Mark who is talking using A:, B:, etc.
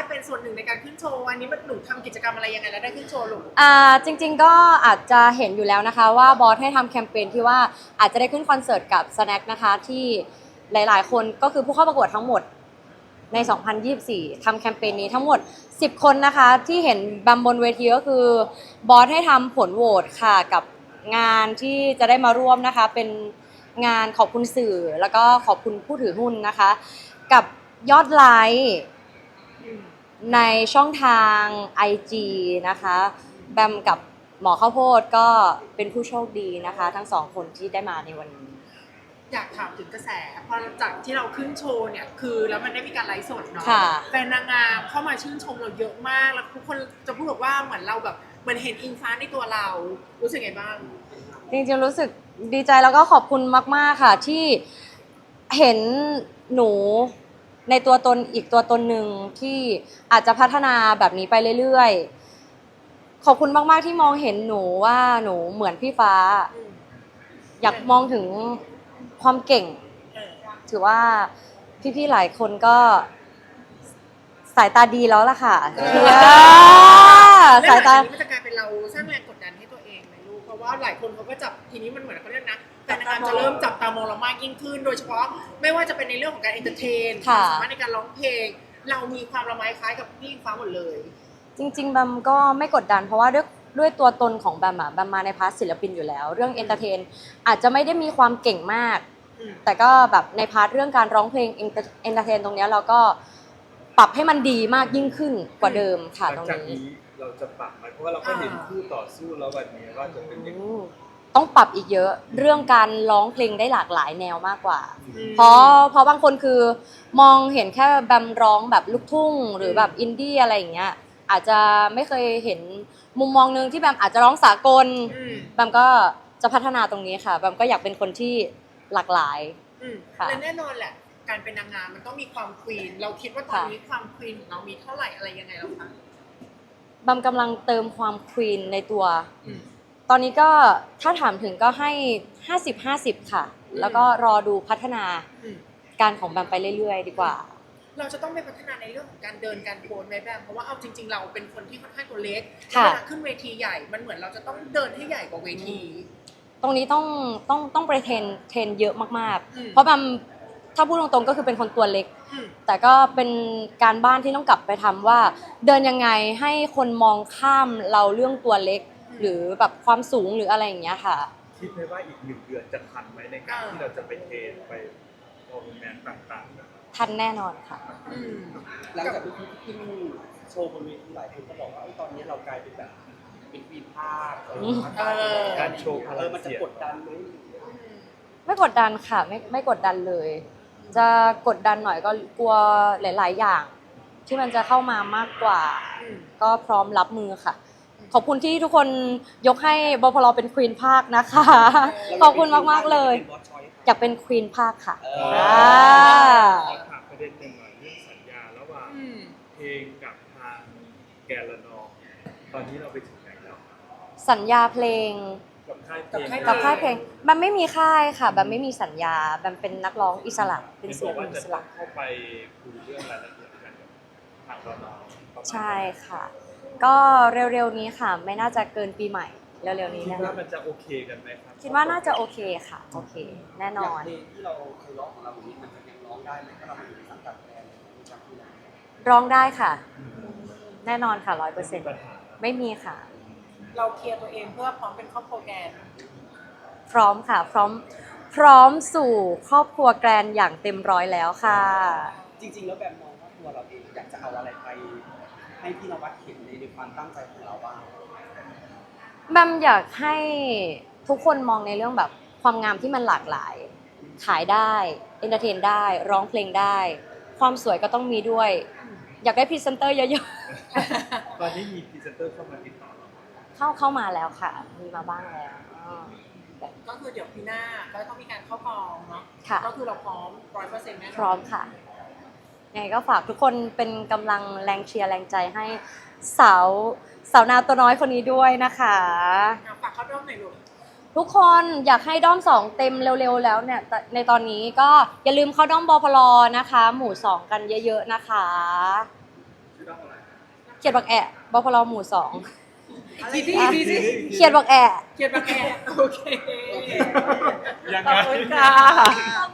A: เป็นส่วนหนึ่งในการขึ้นโชว์อันนี้มันหนูทำกิจกรรมอะไรยังไงแล้วได้ขึ้นโชว์ลูก
B: จริงๆก็อาจจะเห็นอยู่แล้วนะคะว่าบอสให้ทำแคมเปญที่ว่าอาจจะได้ขึ้นคอนเสิร์ตกับ Snack นะคะที่หลายๆคนก็คือผู้เข้าประกวดทั้งหมดใน 2024 ทำแคมเปญนี้ทั้งหมด10 คนนะคะที่เห็นบนเวทีก็คือบอสให้ทำผลโหวตค่ะกับงานที่จะได้มาร่วมนะคะเป็นงานขอบคุณสื่อแล้วก็ขอบคุณผู้ถือหุ้นนะคะกับยอดไลค์ในช่องทาง IG นะคะแบมกับหมอข้าวโพดก็เป็นผู้โชคดีนะคะทั้งสองคนที่ได้มาในวันนี้
A: อยากถามถึงกระแสพอจากที่เราขึ้นโชว์เนี่ยคือแล้วมันได้มีการไลฟ์สดเนาะแฟนนางงามเข้ามาชื่นชมเราเยอะมากแล้วทุกคนจะพูดบอกว่าเหมือนเราแบบเหมือนเห็นอิงฟ้าในตัวเรารู้สึกไงบ้าง
B: จริงๆรู้สึกดีใจแล้วก็ขอบคุณมากๆค่ะที่เห็นหนูในตัวตนอีกตัวตนหนึ่งที่อาจจะพัฒนาแบบนี้ไปเรื่อยๆขอบคุณมากๆที่มองเห็นหนูว่าหนูเหมือนพี่ฟ้าอยากมองถึงความเก่งถือว่าพี่ๆหลายคนก็สายตาดีแล้วล่ะค่ะ
A: สายตามันจะกลายเป็นเราสร้างแรงกดดันให้ตัวเองไหมลูกเพราะว่าหลายคนเขาก็จับทีนี้มันเหมือนเขาเรียกนะแต่นางงามจะเริ่มจับตามองเรามากยิ่งขึ้นโดยเฉพาะไม่ว่าจะเป็นในเรื่องของการเอนเตอร์เทนความสามารถในการร้องเพลงเรามีความละไมคล้ายกับพี่อิงฟ้าหมดเลย
B: จริงๆแบมก็ไม่กดดันเพราะว่าด้วยตัวตนของแบมอะแบมมาในพาร์ทศิลปินอยู่แล้วเรื่องเอนเตอร์เทนอาจจะไม่ได้มีความเก่งมากแต่ก็แบบในพาร์ทเรื่องการร้องเพลงเอนเตอร์เทนตรงนี้เราก็ปรับให้มันดีมากยิ่งขึ้นกว่าเดิมค่ะตรงนี้
C: เราจะปรับไหมเพราะว่าเราก็เห็นคู่ต่อสู้แล้ววันนี้ว่าจะเป็นยังไง
B: ต้องปรับอีกเยอะเรื่องการร้องเพลงได้หลากหลายแนวมากกว่าเพราะบางคนคือมองเห็นแค่แบมร้องแบบลูกทุ่งหรือแบบอินดี้อะไรอย่างเงี้ยอาจจะไม่เคยเห็นมุมมองนึงที่แบมอาจจะร้องสากลแบมก็จะพัฒนาตรงนี้ค่ะแบมก็อยากเป็นคนที่หลากหลาย
A: ค่ะและแน่นอนแหละการเป็นนางงามมันต้องมีความควีนเราคิดว่าตอนนี้ความควีนของเรามีเท่าไหร่อะไรยังไงแล้วคะ
B: แบมกำลังเติมความควีนในตัวตอนนี้ก็ถ้าถามถึงก็ให้50-50ค่ะแล้วก็รอดูพัฒนาการของแบมไปเรื่อยๆดีกว่า
A: เราจะต้องไปพัฒนาในเรื่องของการเดินการโพสไหมแบมเพราะว่าเอาจริงๆเราเป็นคนที่ค่อนข้างตัวเล็กเวลาขึ้นเวทีใหญ่มันเหมือนเราจะต้องเดินให้ใหญ่กว่าเวที
B: ตรงนี้ต้องไปเทรนเยอะมากๆเพราะแบมถ้าพูดตรงๆก็คือเป็นคนตัวเล็กแต่ก็เป็นการบ้านที่ต้องกลับไปทำว่าเดินยังไงให้คนมองข้ามเราเรื่องตัวเล็กหรือแบบความสูงหรืออะไรอย่างเงี้ยค่ะ
C: คิดไหมว่าอีก1 เดือนจะทันไหมในการที่เราจะไปเทรนไปโปรแกรมต่าง
B: ๆทันแน่นอนค่ะ
D: หลังจากที่ขึ้นโชว์บนเวทีหลายคนก็บอกว่าตอนนี้เรากลายเป็นแบบเป็นวีภาค
C: การโชว์
D: มันจะกดดันไหม
B: ไม่กดดันค่ะไม่กดดันเลยจะกดดันหน่อยก็กลัวหลายๆอย่างที่มันจะเข้ามามากกว่าก็พร้อมรับมือค่ะขอบคุณที่ทุกคนยกให้บพลเป็นควีนภาคนะคะขอบคุณมากๆเลยอยากเป็นควีนภาคค่ะ
C: ถามประเด็นหนึ่งหน่อยเรื่องสัญญาระหว่างเพลงกับทางแกลละนองตอนนี้เราไปถึงไหนแล้ว
B: สัญญาเพลง
C: กับค่าย
B: เพลงมันไม่มีค่ายค่ะแบบไม่มีสัญญาแบบเป็นนักร้องอิสระเป็นศิลปินอิสระ
C: เข้าไปคุยเรื่องรายละเอียดกันกับทางเรา
B: ใช่ค่ะก็เร็วๆนี้ค่ะไม่น่าจะเกินปีใหม่เร็วๆนี้
C: คิดว่ามันจะโอเคกันไหมครับ
B: คิดว่าน่าจะโอเคค่ะโอเคแน่นอน
D: เพลงที่เราเคยร้องของเราอย่างนี้มันจะยังร้องได้ไหมถ้าเราไปอยู่ในสังกัดแบรนด์จากที่ไหน
B: ร้องได้ค่ะแน่นอนค่ะ100%ไม่มีค่ะ
A: เราเคลียร์ตัวเองเพื่อพร้อมเป็นครอบครัวแกน
B: พร้อมค่ะพร้อมสู่ครอบครัวแกรนอย่างเต็มร้อยแล้วค่ะ
D: จริงๆแล้วแบบมองว่าตัวเราเองอยากจะเอาอะไรไปให้พี่นวัดเห็นในความตั้งใจของเราบ้าง
B: แบมอยากให้ทุกคนมองในเรื่องแบบความงามที่มันหลากหลายขายได้เอนเตอร์เทนได้ร้องเพลงได้ความสวยก็ต้องมีด้วยอยากได้พรีเซนเตอร์เยอะ
C: ๆตอนนี้มีพรีเซนเตอร์เข้ามาติดต่อ
B: เข้ามาแล้วค่ะมีมาบ้างแล้ว
A: ก็คือเดี๋ยวปีหน้าก็ต้องมีการเข้ากองเนาะก็คือเราพร้อม100%แน่นอน
B: พร้อมค่ะยังไงก็ฝากทุกคนเป็นกำลังแรงเชียร์แรงใจให้สาวนาตัวน้อยคนนี้ด้วยนะคะ
A: ฝากเข้าด้อมหน่อยลูก
B: ทุกคนอยากให้ด้อม2เต็มเร็วๆแล้วเนี่ยในตอนนี้ก็อย่าลืมเข้าด้อมบพลนะคะหมู่2กันเยอะๆนะคะเขียดบักแอะบพลหมู่สอง
A: ทีที่
B: เขียดบักแอะ
A: เขียนมาแกโอเค
C: ยัง
B: ขอบ
C: ไง
B: คุณค่ะ
E: ขอบ